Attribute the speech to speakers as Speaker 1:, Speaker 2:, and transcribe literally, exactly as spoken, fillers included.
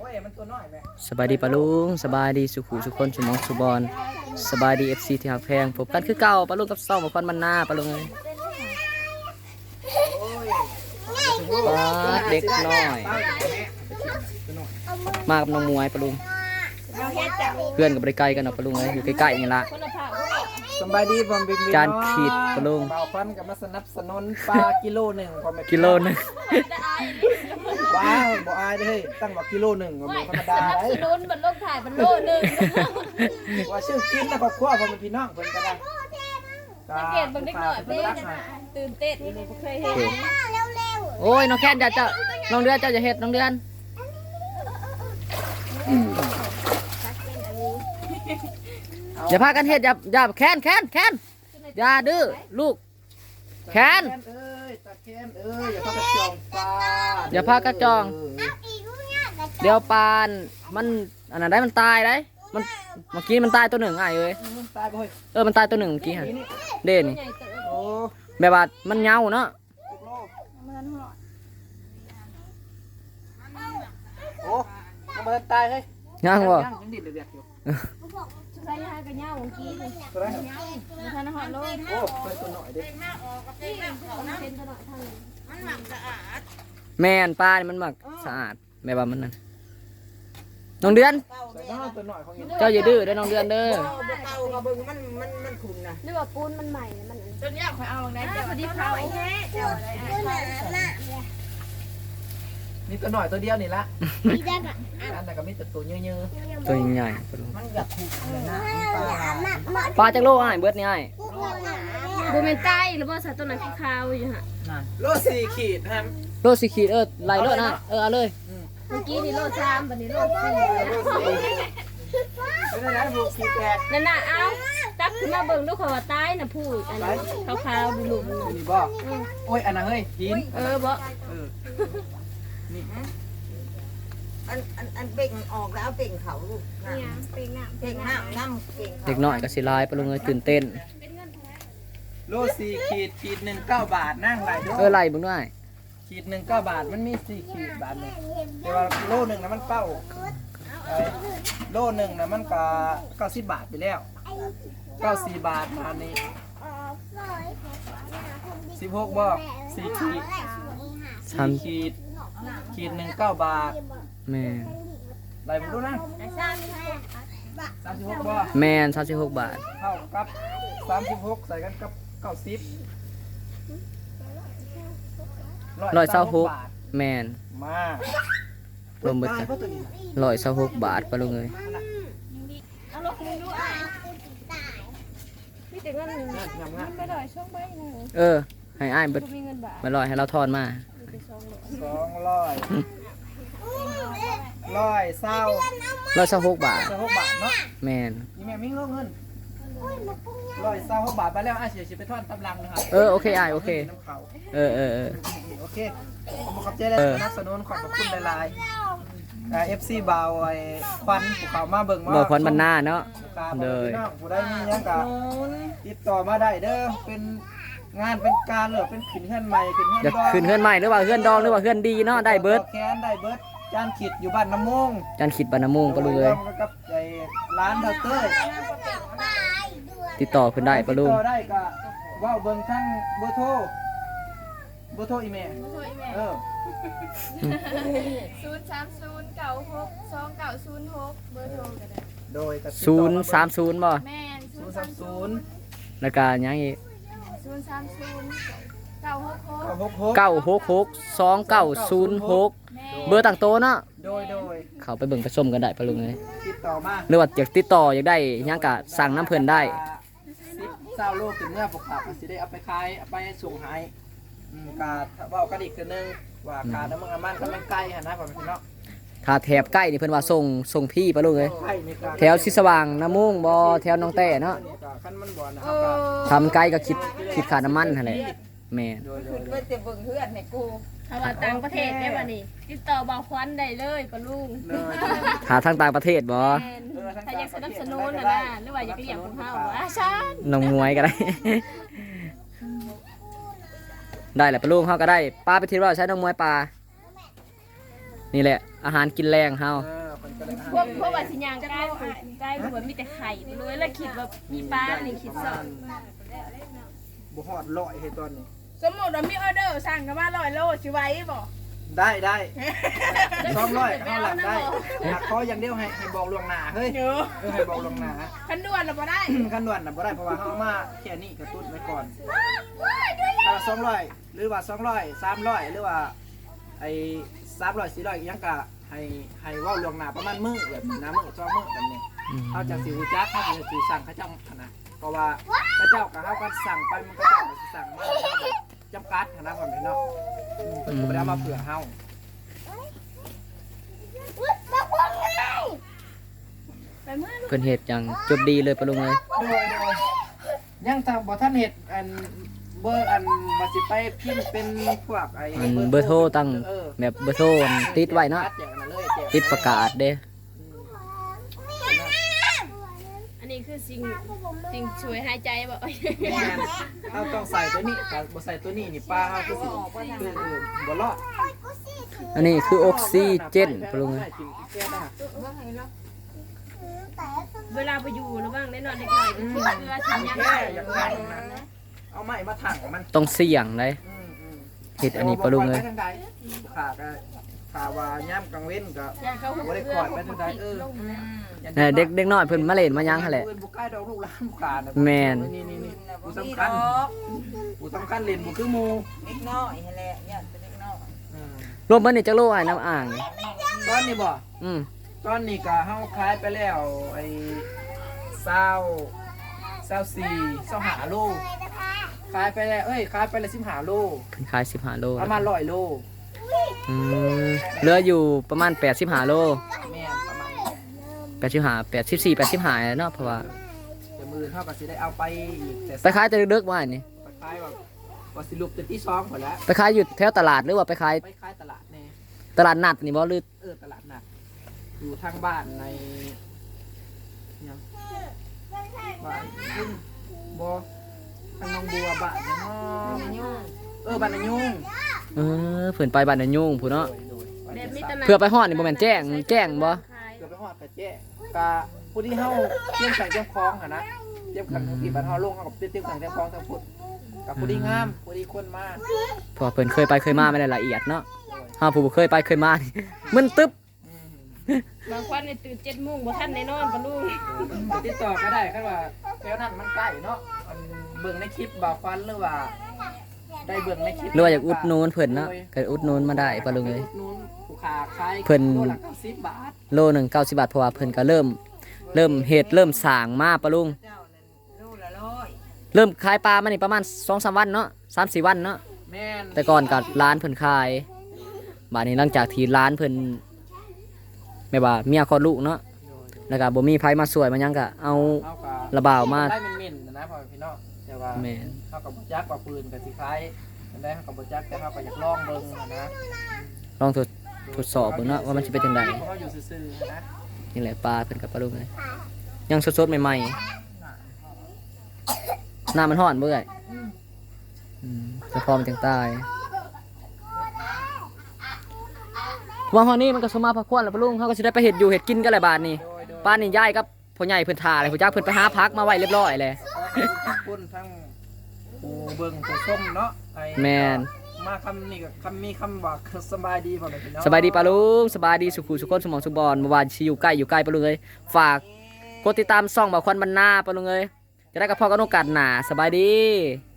Speaker 1: ว้ยมันตัวน้อยแม่
Speaker 2: สบายดีปะลุงสบายดีสุขุสุคนสุมองสุบอลสบายดีเอฟซีที่หักแพงพบกันคือเก่าปะลุงกับซ่องกับควันมันหน้าปะลุงเลยปาดเด็กน้อยมากับน้องมวยปะลุงเพื่อนกับบริไกลกันเนาะปะลุงเลยอยู่ใกล้ๆนี่ละ
Speaker 1: สบายดีบอมบิมบิ
Speaker 2: จานขีดปะลุง
Speaker 1: เบาฟันกับมาสนับสนุนปลากิโลหนึ่งพอไม่
Speaker 2: กิโลนึง
Speaker 1: ว้าบ่อายเด้ยตั้งว่ากิโลหนึ่งก็บ่ธรรมดา
Speaker 3: สนับ
Speaker 1: เด้
Speaker 3: สนุนบนโลกถ่ายบนโลกหนึ่ง
Speaker 1: ว่าชื่อกินนะครอบครัวพอเป็นพี่น้องเพิ่นก็ได้
Speaker 3: สังเกตบางเด็กหน่อยเด็กตื่นเต้นนี่เคยเห็น
Speaker 2: โอ้ยน้องแค่นจะจะน้องเดือนเจ้าจะเฮ็ดน้องเดือนอย่าพากันเฮ็ดอย่าอย่าแค้นแค้นแค้นอย่าดื้อลูกแค้น
Speaker 1: เอ้ยตะแคนเอ้ยอย่าพากระจองปลา
Speaker 2: อย่าพากระจอง เดี๋ยวปานมันอันนั้นได้มันตายได้มันเมื่อกี้มันตายตัวหนึ่งไอ้เอ้ย
Speaker 1: ตายบ่เฮ้ย
Speaker 2: เออมันตายตัวหนึ่งเมื่อกี้ฮะเด่น
Speaker 1: โอ้
Speaker 2: แบบว่ามันเหงาเนาะ
Speaker 1: โอ้ยังบ่ทันตายเฮ้ย
Speaker 2: ย่างบ่
Speaker 1: ยังดิดเดือดอยู่
Speaker 3: ใส่ยากันเหงาเมื่อกี้เลย
Speaker 1: ตัวนั้น
Speaker 3: มีท่านหอดโลก
Speaker 1: โอ้เป็นตัวหน่อยเด้
Speaker 3: เป็นตลอดทาง
Speaker 2: แม่นปลานี่มันมักสะอาดแบบว่ามันนั่นน้องเดือน
Speaker 1: ใส่น้องตัวหน่อยของอี
Speaker 2: เจ้าอย่าดื้อเด้อน้องเดือนเด้อ
Speaker 4: เก่ากับเบิ่งมันมันมันขุ่นนะ
Speaker 3: หรือว่าปูนมันใหม่มัน
Speaker 4: จนยากคอยเอาได้
Speaker 3: พอดีเผา
Speaker 1: นี่ตัวหน่อยตัวเดียวนี่ละอันแต่ก็มีแต่ตัวเยอะ
Speaker 2: ตัวใหญ่
Speaker 1: ๆมันอยากถูกเลยนะปลา
Speaker 2: ปลาจักโลอ้ายเบิดนี่อ้าย
Speaker 3: บูเมนใต้หรือว่าสัตว์ตัวไหนขาวอยู่ฮะ
Speaker 1: โลสี่ขีดฮะ
Speaker 2: โลสิขีดเออไหลโลนะเออเอาเลย
Speaker 3: เมื่อกี้นี่โลสามวันนี้โลสี่
Speaker 1: เป็นอะไรบุกขีดแตก
Speaker 3: นั่นน่ะเอาตักขึ้นมาเบิ่งดูเขาว่าใต้น่ะพูดอันนี้ขาวๆบุ๋ม
Speaker 1: นี่บ่โอ้ยอันนั้นเฮ้ยหิน
Speaker 3: เออบ่
Speaker 1: เออนี่
Speaker 4: อันอันอันเป่งออกแล้วเป่งเขาลูก
Speaker 3: เนี่ยเป็นน้ำ
Speaker 4: เป่งน้ำน้ำเป่งเขา
Speaker 2: เด็กน้อยก็สิลายปลาลุงเลยตื่นเต้น
Speaker 1: โลสี่ขีดขีดหนึ่งเก้าบาทนั่งไหลด้ว
Speaker 2: เออย ไหลเบิ่งด้วย
Speaker 1: ขีดหนึ่งเก้าบาทมันมีสี่ขีดบาทหนึงแต่ว่าโลหนึ่งนะมันเก้าไอ้โลหนึ่งนะมันก็เก้าสิบบาทไปแล้วเก้าสี่บาทมานี้สิบหกบ่สี่ขีด
Speaker 2: สาม
Speaker 1: สี่ขีดขีดหนึ่งเก้าบาท
Speaker 2: แม่น
Speaker 1: ไหลผมดูนะสามสิบหกบ่
Speaker 2: แม่นสามสิบหกบาท
Speaker 1: เท่ากับสามสิบหกใส่กันกับเก้าสิบ
Speaker 2: ร้อยเศร้าหก
Speaker 1: บาท
Speaker 2: แม่น
Speaker 1: มาร
Speaker 2: วมเบิด
Speaker 1: ตาย
Speaker 2: กัน
Speaker 1: เพราะตัวนี้
Speaker 2: ร้อยเศร้าหกบาทปลาลุงเลย
Speaker 3: เอาลูกมึงดูอ่ะมีแต่เงิน
Speaker 1: งามงามงาม
Speaker 3: ไม่ได้ช่วงใบหนึ่ง
Speaker 2: เออให้อ้ายเบิด
Speaker 3: มีเงินบาท
Speaker 2: มาลอยให้เราทอนมา
Speaker 1: สองร้อยร้อยเศร้า
Speaker 2: ร้อยเศร้าหกบาท
Speaker 1: เศร้าหกบาทเนาะ
Speaker 2: แม่น
Speaker 1: นี่แม่มีเงินเงินร้อยเศร้าหกบาทไปแล้วอ่ะเสียชีไปทอดตำลังนะครับ
Speaker 2: เออโอเคอ้ายโอเค
Speaker 1: น้ำเขา
Speaker 2: เออเออเออ
Speaker 1: โอเคขอบคุณเจ๊เลยสนับสนุนขอบคุณหลายๆเอฟซีบาวไอ้ควันภูเขามาเบิ่งมา
Speaker 2: บอกควันบรรณาเนาะ
Speaker 1: เล
Speaker 2: เลย ย
Speaker 1: ผู้ได้มียังกะติดต่อมาได้เด้อเป็นงานเป็นการหรือเป็นขึ้นเฮือนใหม่ขึ้นเฮือน
Speaker 2: อยาก
Speaker 1: ดอง
Speaker 2: ขึ้นเฮือนใหม่หรือว่าเฮือนดองหรือว่าเฮือนดีเนาะได้เบิด
Speaker 1: แคนได้เบิร์ดจานขิดอยู่บ้านน้ำมง
Speaker 2: จันขิดบรรณมงปลาลุงเลย
Speaker 1: กับไอ้ร้านเดาเต้ย
Speaker 2: ติดต่อขึ้นได้ปลาลุง
Speaker 1: ติดต่อได้ก็ว่าเบิ่งทั้งเบอร์โทรเบอร์โทรอีเมลเออ
Speaker 5: ศูนย์สามศูนย์เก้าหกสองเก้าศูนย์หกเบอร์โทรก็ได้
Speaker 1: โดยก็ติด
Speaker 2: ศู
Speaker 1: ต่อน
Speaker 2: ย์สามศูนย์บ่
Speaker 5: แม่น
Speaker 1: ศูนย์สามศูนย์
Speaker 2: แล้วก็ยังอีก
Speaker 5: ศูนย์สามศูนย์เก้าหกหก
Speaker 1: เก้าหกหก
Speaker 2: เก้าหกหกสองเก้าศูนย์หก
Speaker 5: แม่
Speaker 2: เบอร์ต่างโตะเนาะ
Speaker 1: โดยโดย
Speaker 2: เขาไปเบิ่งไปชมกันได้ปลาลุงเลย
Speaker 1: ติดต่อมา
Speaker 2: หรือว่าอยากติดต่ออยากได้หยังกะสั่งน้ำเพิ่นได้
Speaker 1: สิบเศร้าโลกถึงเมื่อปกติมันสิได้เอาไปขายเอาไปส่งให้อืมกาเว่ากันอีกคือนึงว่าการน้ำมันมันก็ไม่ใกล้หันนะผมพี่น้อง
Speaker 2: ถ้าแถบใกล้นี่เพิ่นว่าส่งส่งพี่ปลาลุงเลย
Speaker 1: ใกล้ในการ
Speaker 2: แถวสิสว่างน้ำมุงบ่แถวหน้องแต่เนาะ
Speaker 1: ขั้นมันบ่อนะค
Speaker 5: โอ้
Speaker 1: รับ
Speaker 2: ทำไกลก็คิดคิดค่าน้ำมันหั่นแหละแม่น
Speaker 1: โดยโด
Speaker 4: ขึ้
Speaker 1: ย
Speaker 4: น
Speaker 1: โด
Speaker 4: ไป
Speaker 1: ย
Speaker 4: แต่เบิ่งเพื่อนในกู
Speaker 3: ถ้าว่าต่างประเทศได้ป่ะนี่ติดต่อบ่าวควันได้เลยปะลุง
Speaker 1: เลย
Speaker 2: ถ้าทางต่างประเทศบ่
Speaker 3: แม่นถ้าอยากสนับสนุนนะนะหรือว่าอยากเลี้ยงของเฮาอ่ะชัน
Speaker 2: น้องมวยก็ได้ ได้แหละปลาลุงเฮาก็ได้ปลาไปทีว่าใช้น้องมวยปลานี่แหละอาหารกินแรงเฮา
Speaker 1: เออก็เลย
Speaker 5: พวกพวกว่าสิยางใกล้ใกล้คือว่ามีแต่ไข่ไปเลยแล้วคิดว่ามีปลานี่คิดสอง
Speaker 1: บ่ฮอดร้อยให้ตอนนี้
Speaker 6: สมมติว่ามีออเดอร์สั่งกันมาร้อยโลสิไหว้บ่
Speaker 1: ได้ได้สองร้อยเอาหลังได้หากขออย่างเดียวให้ให้บอกล่วงหน้าเฮ้ย
Speaker 6: เดี๋ยว
Speaker 1: เออให้บอกล่วงหน้า
Speaker 6: คันด่วนเราบ่ได้
Speaker 1: ขั้นด่วนน่ะบ่ได้เพราะว่าเฮาเอามาแค่นี้กระตุ้นไว้ก่อนถ้าสองร้อยหรือว่าสองร้อยสามร้อยหรือว่าไอ้สามร้อยสี่ร้อยยังก็ให้ให้เว้าล่วงหน้าประมาณมื้อแบบน้ำมื้อสองมื้อแบบนี้
Speaker 2: อืม
Speaker 1: เขาจะสิรู้จักเขาจะสิสั่งเขาเจ้าขนาดเพราะว่าเขาเจ้ากับเขาก็สั่งไปมันก็เจ้าก็สิสั่งมาจำกัดขนาดความเป็นเนาะอืมเพิ่นก็บ่ได้เอามาเผื่อเฮา
Speaker 5: ไปเมื่อ
Speaker 2: เพิ่นเฮ็ดอย่างจบดีเลยปะลุงเอ้ย
Speaker 1: โดยโดยยังทางบ่ทันเฮ็ดอันเบอร์อันว่าสิไปพิมพ์เป็นพวกไอ้
Speaker 2: อันเบอร์โทรตั้ง
Speaker 1: เออ
Speaker 2: แบบเบอร์โทรอันติดไว้เนาะ
Speaker 1: อย่างนั้นเลยแจก
Speaker 2: ติดประกาศเด้
Speaker 5: อันนี้คือสิ่งสิ่งช่วยหายใจบ่
Speaker 1: แม่นเขาต้องใส่ตัวนี้ถ้าบ่ใส่ตัวนี้นี่ป้าเขาก็สิคือคือบ่รอด
Speaker 2: อันนี้คือออกซิเจนปะลุงเอ้ย
Speaker 5: เวลาไปอยู่ระว่างได้นอนเล็กน้อยก็ทิ้งเกลือทิ้งหยัง
Speaker 1: แค่อย่างนั้นนะเอาไม้มาถังมัน
Speaker 2: ต้องเสี่ยงเลย
Speaker 1: อืมอืม
Speaker 2: เฮ็ดอันนี้ปะลุงเอ้ย
Speaker 1: ไปทางใดขาก็ขาว่าย่ำกลางเว้นก็
Speaker 5: ย่างเขาหุบ
Speaker 1: บ่ได้
Speaker 5: เกลื
Speaker 1: ค
Speaker 5: อ
Speaker 1: อยไปทางใดเออ
Speaker 5: ลงแล้ว
Speaker 2: เออเด็กเด็กน้อยเพิ่นมาเล่นมาหยังหั่นแหละ
Speaker 1: เพิ่นบ่ใกล้ดอกลูกหลานผู้ขาน่ะ
Speaker 2: แม่น
Speaker 1: นี่นี่นี่ผู้
Speaker 4: นี่
Speaker 1: สำคัญ
Speaker 4: ดอก
Speaker 1: ผู้สำคัญเล่นบ่คือหมู่
Speaker 4: เล็กน้อยให้แหละเนี่ยเป็นเล็กน้อย
Speaker 1: อืม
Speaker 2: รวมเบิดนี่จักโลอ้ายน้ำอ่างนี่
Speaker 1: ตอนนี้บ่
Speaker 2: อืม
Speaker 1: ตอนนี้ก็เฮาขายไปแล้วไอ้เศร้าเศร้าสี่เศร้าหาโลขายไปแล้วเอ้ยขายไปแล้วสิบห้าโล
Speaker 2: เพิ่นขายสิบห้าโล
Speaker 1: ประมาณร้อยโล
Speaker 2: อืมเหลืออยู่ประมาณแปดสิบห้าโล
Speaker 1: แม่นประมาณ
Speaker 2: แปดสิบห้า แปดสิบสี่ แปดสิบห้าเนาะเพราะว่า
Speaker 1: แต่มือเท่ากับสิได้เอาไปอีกแต่
Speaker 2: ไปขายแต่ดึกๆว่านี่
Speaker 1: ไปขายแบบว่าสิลุกแต่ที่สองหมดแล้ว
Speaker 2: ไปขายอยู่แถวตลาดหรือว่าไปขาย
Speaker 1: ไปขายตลาดแน่
Speaker 2: ตลาดนัดนี่บ่หรือ
Speaker 1: เออตลาดนัดอยู่ทางบ้านในยังบ้านยุ่งบ่ทางหนองบัวบ้านยังน้องเออบ้านนายุ่ง
Speaker 2: เออเพิ่นไปบ้านนายุ่งพุ่นเนาะ
Speaker 1: โดยโดย
Speaker 5: แบบมีตลาด
Speaker 2: เพื่อไปฮอดนี่บ่แม่นแจ้งแจ้งบ่
Speaker 5: ขาย
Speaker 1: เกือบไปหอดกระเจ๊กะผู้ที่เฮาเตรียมใส่เตรียมคล้องหั่นนะเตรียมขันที่บ้านเฮาลงเฮากับเตรียมขันเตรียมคล้องทั้งพุทธกับผู้ที่งามผู้ที่คนมา
Speaker 2: เพราะว่าเพิ่นเคยไปเคยมาไม่ได้ละเอียดเนาะเฮาผู้บ่เคยไปเคยมานี่มึนตึ๊บ
Speaker 1: อืม
Speaker 5: บางคนเนี่ยตื่นเจ็ดโมงบ่ทันได้นอนปะลุง
Speaker 1: ไปติดต่อก็ได้ครับว่าแถวนั้นมันใกล้เนาะอันเบิ่งในคลิปบ่าวควันหรือว่า ได้เบิ่งในคลิป
Speaker 2: หรือว่าอยากอุดหนูนเพิ่นเนาะก็อุดหนูนมาได้ปะลุงเอ้ย
Speaker 1: อุดหนูนผู้ค้าขาย
Speaker 2: เพิ่น
Speaker 1: โลละเก้าสิบบาท
Speaker 2: โลหนึงเก้าสิบบาทเพราะว่าเพิ่นก็เริ่ม เริ่มเฮ็ดเริ่มสร้างมาปะลุง
Speaker 4: เจ้านั่นลูกละร้อย
Speaker 2: เริ่มขายปลามานี่ประมาณ สองสาม วันเนาะ สามสี่ วันเนาะ
Speaker 1: แม่น
Speaker 2: แต่ก่อนก็ร้านเพิ่นขายบัดนี้หลังจากที่ร้านเพิ่นแม่ว่าเมียคลอดลูกเนาะแล้วก็บ่มีไผมาช่วยมาหยังก็เอา
Speaker 1: เฮาก็
Speaker 2: ระบาวมา
Speaker 1: ได้เม่นๆนะพ่อพี่น้องแต่ว่า
Speaker 2: แม่น
Speaker 1: เฮากับบ่จักว่าปืนกับสิคล้ายอันใดเฮากับบ่จักแต่เฮาก็อยากลองเบิ่งนะ
Speaker 2: ลองทดทดสอบเบิ่งเนาะว่ามันสิเป็นจังได
Speaker 1: เพราะเฮาอยู่ซื่อๆนะ
Speaker 2: นี่แหละปลาเพิ่นกับปลาลูกเลยยังสดๆใหม่ๆน้ำมันร้อนเบื่อยอืมจะพอมันจังตายว่าฮอนี่มันก็สมมาพักควรแล้วปะลุงเขาก็สิได้ไปเฮ็ดอยู่เฮ็ดกินกันแหละบาดนี้
Speaker 1: โดยโดย
Speaker 2: ป้านี่ย้ายกับพ่อใหญ่เพิ่นท่าเลยพ่อจักเพิ่นไปหาพักมาไว้เรียบร้อยเลย
Speaker 1: ขอบคุณทั้งผู้เบิ่งผู้ชมเนาะไอ้
Speaker 2: แม่น
Speaker 1: มาคำนี้ก็คำมีคำว่าสบายดีพ่อแม่พี่น้อง
Speaker 2: สบายดีปะลุงสบายดีสุขุสุขคนสมองสุขบอลเมื่อวานสิอยู่ใกล้อยู่ใกล้ปะลุงเอ้ยฝากกดติดตามช่องบ่าวควันบรรณาปะลุงเอ้ยจะได้กับพ่อกันโอกาสหน้าสบายดี